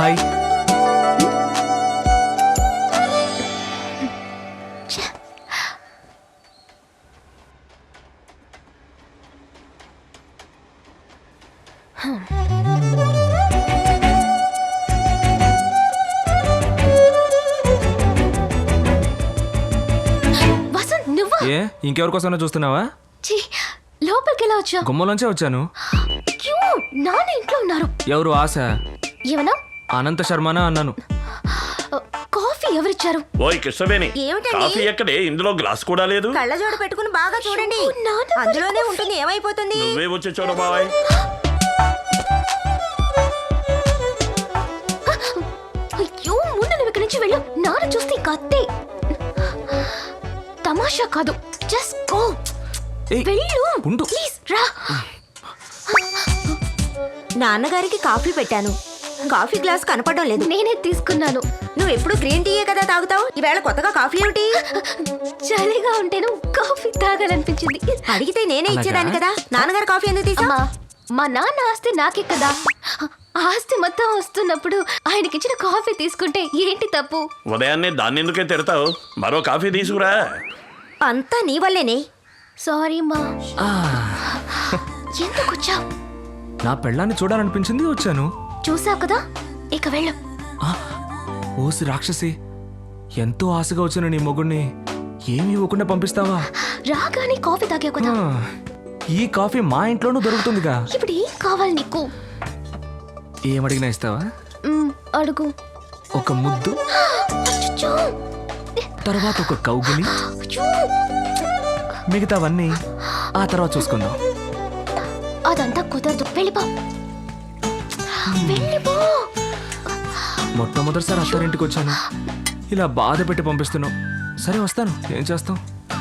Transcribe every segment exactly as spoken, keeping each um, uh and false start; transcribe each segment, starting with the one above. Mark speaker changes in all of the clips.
Speaker 1: Hi.
Speaker 2: Vasant నువ్వా?
Speaker 1: ఏ ఇంకెవరికోసమైనా చూస్తున్నావా?
Speaker 2: ఛీ, లోపలికి ఎలా వచ్చా?
Speaker 1: గుమ్మలోంచే వచ్చాను.
Speaker 2: క్యూ, నాన్న ఇంట్లో ఉన్నారు.
Speaker 1: ఎవరు? ఆశ.
Speaker 2: ఏమన్నా?
Speaker 1: అనంత శర్మనా అన్నాను.
Speaker 2: కాఫీ ఎవరిచ్చారు?
Speaker 3: ఓయ్ కృష్ణవేణి,
Speaker 4: ఏమిటండి?
Speaker 3: కాఫీ ఎక్కడే? ఇందులో గ్లాస్ కూడా లేదు.
Speaker 4: కళ్ళజోడు పెట్టుకుని బాగా చూడండి,
Speaker 2: అయ్యో, నాన్న
Speaker 4: అందులోనే ఉంటుంది. ఏమైపోతుంది?
Speaker 3: నువ్వే వచ్చి చూడ బాబాయ్.
Speaker 2: అయ్యో, ముందు నువ్వు ఇక్కడి నుంచి వెళ్ళు. నాన్న చూస్తే కత్తే. తమాషా కాదు, జస్ట్ గో.
Speaker 1: ఏయ్,
Speaker 2: వెళ్ళు
Speaker 1: ఉండు.
Speaker 2: ప్లీజ్ రా.
Speaker 4: నాన్నగారికి కాఫీ పెట్టాను, కాఫీ గ్లాస్ కనపడడం లేదు.
Speaker 2: నేనే తీసుకున్నాను.
Speaker 4: నువ్వు ఎప్పుడు గ్రీన్ టీయే కదా తాగుతావు, ఈవేళ కొత్తగా కాఫీ ఏమిటి?
Speaker 2: చలిగా ఉంటేను కాఫీ తాగాలనిపించింది.
Speaker 4: అడిగితే నేనే ఇచ్చేదాన్ని కదా. నాన్నగారు కాఫీ ఎందుకు తీసా?
Speaker 2: అమ్మా, మా నాన్న ఆస్తి నాకే కదా. ఆస్తి మొత్తం వస్తున్నప్పుడు ఆయనకిచ్చిన కాఫీ తీసుకుంటే ఏంటి తప్పు?
Speaker 3: ఉదయాన్నే దాన్ని ఎందుకే తిడతావు? మరో కాఫీ తీసుకురా.
Speaker 4: అంతా నీ వల్లేనే.
Speaker 2: సారీ మా.
Speaker 1: ఆ,
Speaker 2: ఎందుకు వచ్చావు?
Speaker 1: నా పెళ్ళాన్ని చూడాలనిపించింది, వచ్చాను.
Speaker 2: చూసావు కదా, ఇక వెళ్ళు.
Speaker 1: ఆ, ఓసి రాక్షసి, ఎంతో ఆశగా వచ్చిన నీ మొగుణ్ణి ఏమి ఇవ్వకుండా పంపిస్తావా?
Speaker 2: రాగానే కాఫీ తాగావు కదా.
Speaker 1: ఆ, ఈ కాఫీ మా ఇంట్లోనూ దొరుకుతుందిగా.
Speaker 2: ఇప్పుడు ఏం కావాలి నీకు?
Speaker 1: ఏమడిగినా ఇస్తావా?
Speaker 2: మ్, అడుగు.
Speaker 1: ఒక ముద్దు,
Speaker 2: అచ్చచ్చో.
Speaker 1: తర్వాత ఒక కౌగిలి,
Speaker 2: అయ్యో,
Speaker 1: మిగతావన్నీ ఆ తర్వాత చూసుకుందాం.
Speaker 2: అదంతా కుదరదు. వెళ్ళిపో, వెళ్ళిపో.
Speaker 1: మొట్టమొదటిసారి అత్తారింటికి వచ్చాను, ఇలా బాధ పెట్టి పంపిస్తున్నావు. సరే వస్తాను, ఏం చేస్తాం.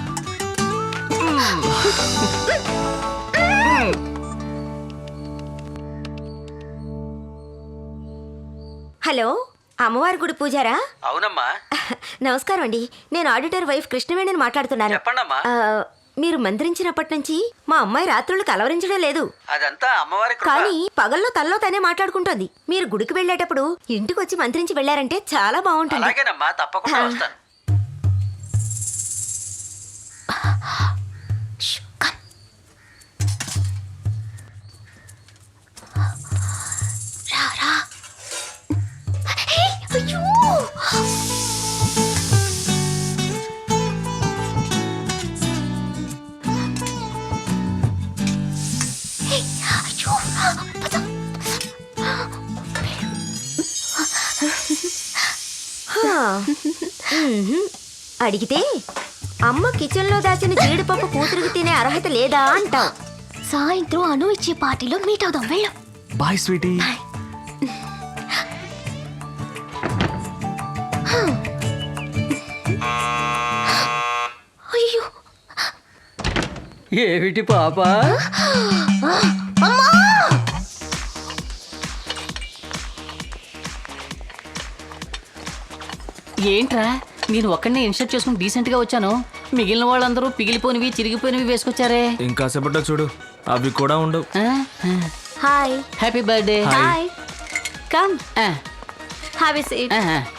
Speaker 4: హలో, అమ్మవారి గుడి పూజారా?
Speaker 5: అవునమ్మా.
Speaker 4: నమస్కారం అండి, నేను ఆడిటర్ వైఫ్ కృష్ణవేణిని మాట్లాడుతున్నాను.
Speaker 5: చెప్పండమ్మా.
Speaker 4: ఆ, మీరు మంత్రించినప్పటి నుంచి మా అమ్మాయి రాత్రులు కలవరించడం లేదు,
Speaker 5: అదంతా అమ్మవారి కృప.
Speaker 4: కానీ పగల్లో తల్లో తనే మాట్లాడుకుంటోంది. మీరు గుడికి వెళ్ళేటప్పుడు ఇంటికి వచ్చి మంత్రించి వెళ్ళారంటే చాలా బాగుంటుంది.
Speaker 5: అలాగేనమ్మా, తప్పకుండా వస్తాను.
Speaker 2: ష్, కమ్. రా, రా. హే, అయ్యో. హే, అయ్యో, పద.
Speaker 4: హా. మ్మ్హ్మ్. అడిగితే అమ్మ కిచెన్ లో దాచిన జీడిపప్పు కూతురికి తినే అర్హత లేదా అంటావు.
Speaker 2: సాయంత్రం అను ఇచ్చే పార్టీలో మీట్ అవుదాం. వెళ్ళు.
Speaker 1: Bye sweetie.
Speaker 2: అయ్యో,
Speaker 5: ఏమిటి పాప? ఏంట్రా, నేను ఒక్కడనే ఇన్షర్ట్ చేసుకుని డీసెంట్ గా వచ్చాను. మిగిలిన వాళ్ళందరూ పిగిలిపోయినవి చిరిగిపోయినవి వేసుకొచ్చారే.
Speaker 1: ఇంకా సేపట్లో చూడు, అవి కూడా ఉండవు.
Speaker 4: Hi.
Speaker 5: Happy birthday.
Speaker 4: Hi. Come have a seat.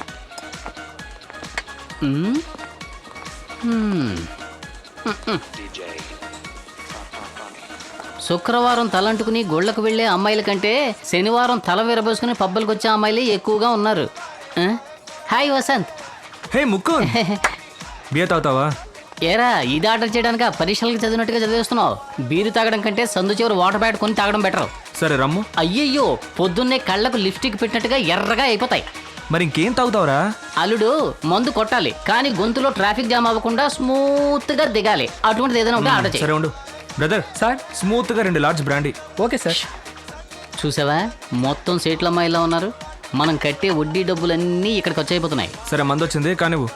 Speaker 5: శుక్రవారం తలంటుకుని గోళ్లకు వెళ్లే అమ్మాయిల కంటే శనివారం తల విరబోసుకుని పబ్బులకు వచ్చే అమ్మాయిలే ఎక్కువగా ఉన్నారు. ఆ? హాయ్ వసంత్.
Speaker 1: హే ముక్కు, బియ్య తాగుతావా?
Speaker 5: ఏరా, ఇది ఆర్డర్ చేయడానికి పరీక్షలకు చదివినట్టుగా చదివేస్తున్నావు. బీరు తాగడం కంటే సందు చివరి వాటర్ బ్యాట్ కొని తాగడం బెటర్.
Speaker 1: సరే రమ్ము.
Speaker 5: అయ్యయ్యో, పొద్దున్నే కళ్ళకు లిప్స్టిక్ పెట్టినట్టుగా ఎర్రగా అయిపోతాయి.
Speaker 1: మరి ఇంకేం తాగుతావురా?
Speaker 5: అల్లుడు, మందు కొట్టాలి కానీ గొంతులో ట్రాఫిక్ జామ్ అవ్వకుండా స్మూత్ గా దిగాలి. అటువంటిది ఏదైనా ఉంటే ఆర్డర్ చేయి.
Speaker 1: సరే ఉండు బ్రదర్. సార్ స్మూత్ గా రెండు లార్జ్ బ్రాండీ.
Speaker 6: Okay sir.
Speaker 5: చూసావా, మొత్తం సీట్ల అమ్మాయిలా ఉన్నారు. మనం కట్టే వడ్డీ డబ్బులన్నీ ఇక్కడికి వచ్చైపోతున్నాయి.
Speaker 1: సరే మందు వచ్చింది కానీ నువ్వు.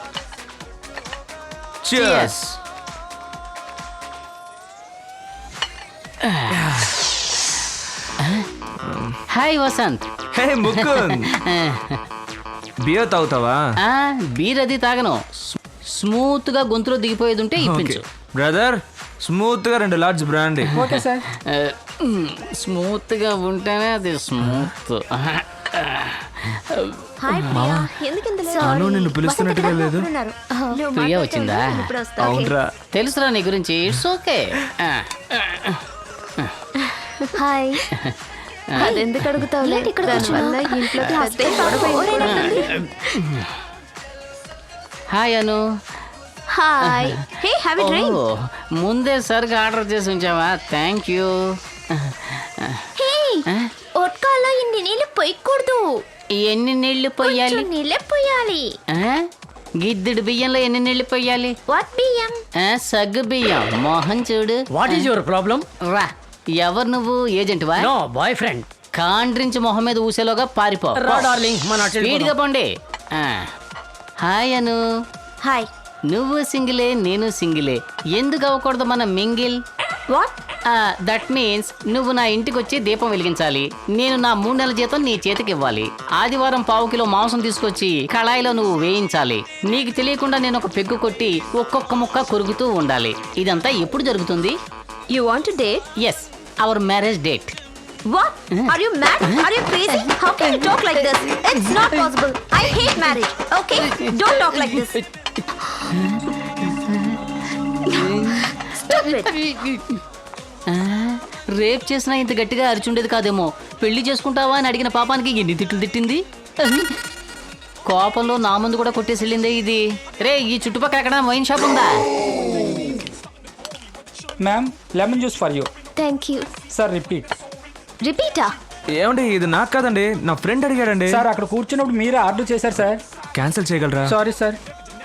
Speaker 1: Cheers.
Speaker 5: Hi Vasanth.
Speaker 1: Hey Mukund, beer తాగుతావా?
Speaker 5: ఆ, బీర్ అది తాగను. స్మూత్ గా గొంతులో దిగిపోయేది ఉంటే ఇప్పించు.
Speaker 1: బ్రదర్, స్మూత్ గా రెండు large brandy.
Speaker 6: Okay sir.
Speaker 5: Smooth గా ఉంటేనే అది స్మూత్.
Speaker 4: హాయ్ ప్రియా ఎందుకు ఇంత late?
Speaker 1: అను నిన్ను పిలుస్తున్నట్టుగా లేదు.
Speaker 4: ఉన్నారు. నువ్వు
Speaker 5: ప్రియా
Speaker 4: మాట్లాడుతూ
Speaker 5: వచ్చిందా?
Speaker 4: ఉండు, నేను ఇప్పుడు వస్తా.
Speaker 1: అవునరా
Speaker 5: తెలుసురా నీ గురించి ఇట్స్ ఓకే.
Speaker 2: హాయ్
Speaker 4: అదెందుకు అడుగుతావులే?
Speaker 2: ఏంటి ఇక్కడ
Speaker 4: దానివల్ల
Speaker 2: కూర్చున్నావ్?
Speaker 4: ఇంట్లో
Speaker 2: క్లాస్
Speaker 4: పెద్ద గొడవ అయిపోతుంది.
Speaker 5: Hi Anu.
Speaker 4: Hi hey have a drink.
Speaker 5: ఓ, ముందే సరిగా ఆర్డర్ చేసి ఉంచావా? Thank you.
Speaker 2: హే ఒట్కాలో ఇన్ని నీళ్ళు పొయ్యకూడదు.
Speaker 5: ఎన్ని నీళ్లు పోయాలి?
Speaker 2: కొంచెం నీళ్ళే పొయ్యాలి.
Speaker 5: ఆ? గిద్దెడు బియ్యంలో ఎన్ని నీళ్లు పోయాలి?
Speaker 2: వాట్ బియ్యం?
Speaker 5: ఆ, సగ్గు బియ్యం. మోహన్ చూడు.
Speaker 6: What is your problem?
Speaker 5: రా. ఎవరు నువ్వు? ఏజెంట్ వా?
Speaker 6: No boy friend.
Speaker 5: కాండ్రించి మొహం మీద ఊసేలోగా పారిపో.
Speaker 6: రా డార్లింగ్ మన
Speaker 5: స్పీడ్గా పోండి. ఆ. హాయ్ అను.
Speaker 4: హాయ్
Speaker 5: నువ్వు సింగిలే, నేను సింగిలే. ఎందుకు అవ్వకూడదు మన మింగిల్?
Speaker 4: వాట్?
Speaker 5: దట్ మీన్స్ నువ్వు నా ఇంటికి వచ్చి దీపం వెలిగించాలి, నేను నా మూడు నెలల జీతం నీ చేతికి ఇవ్వాలి. ఆదివారం పావు కిలో మాంసం తీసుకొచ్చి కళాయిలో నువ్వు వేయించాలి. నీకు తెలియకుండా నేను ఒక పెగ్గు కొట్టి ఒక్కొక్క ముక్క కొరుకుతూ ఉండాలి. ఇదంతా ఎప్పుడు జరుగుతుంది?
Speaker 4: You want to date?
Speaker 5: Yes, our marriage date.
Speaker 4: What? Are you mad? Are you crazy? How can you talk like this? It's not possible. I hate marriage. Okay? Don't talk like this. Stop it.
Speaker 5: Rape చేసినా ఇంత గట్టిగా అరిచుండేది కాదేమో. పెళ్లి చేసుకుంటావా అని అడిగిన పాపానికి ఎన్ని తిట్లు తిట్టింది. కోపంలో నా ముందు కూడా కొట్టేసి వెళ్ళిందే ఇది. రే, ఈ చుట్టుపక్కల ఎక్కడ వైన్ షాప్ ఉందా?
Speaker 7: Ma'am lemon juice for you.
Speaker 2: Thank you.
Speaker 7: Sir repeat.
Speaker 2: రిపీటా?
Speaker 1: ఏమండి ఇది నాకు కాదండి, నా ఫ్రెండ్ అడిగాడండి.
Speaker 7: సార్ అక్కడ కూర్చున్నప్పుడు మీరే ఆర్డర్ చేశారు సార్.
Speaker 1: క్యాన్సిల్ చేయగలరా?
Speaker 7: Sorry sir.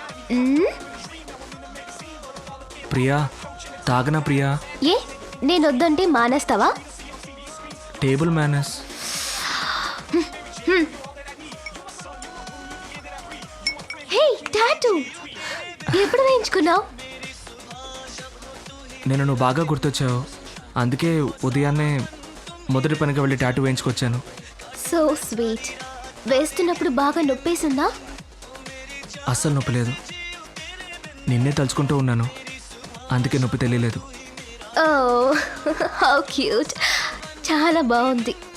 Speaker 1: ప్రియా తాగనా? ప్రియా
Speaker 2: ఏ నేను వద్దంటే మానేస్తావా?
Speaker 1: Table manners.
Speaker 2: హే టాటూ ఎప్పుడు వేయించుకున్నావు?
Speaker 1: నేను నువ్వు బాగా గుర్తొచ్చావు, అందుకే ఉదయాన్నే మొదటి పనిగా వెళ్ళి టాటూ వేయించుకొచ్చాను.
Speaker 2: So sweet. వేస్తున్నప్పుడు బాగా నొప్పేసిందా?
Speaker 1: అస్సలు నొప్పి లేదు, నిన్నే తలుచుకుంటూ ఉన్నాను, అందుకే నొప్పి తెలియలేదు.
Speaker 2: Oh how cute. చాలా బాగుంది.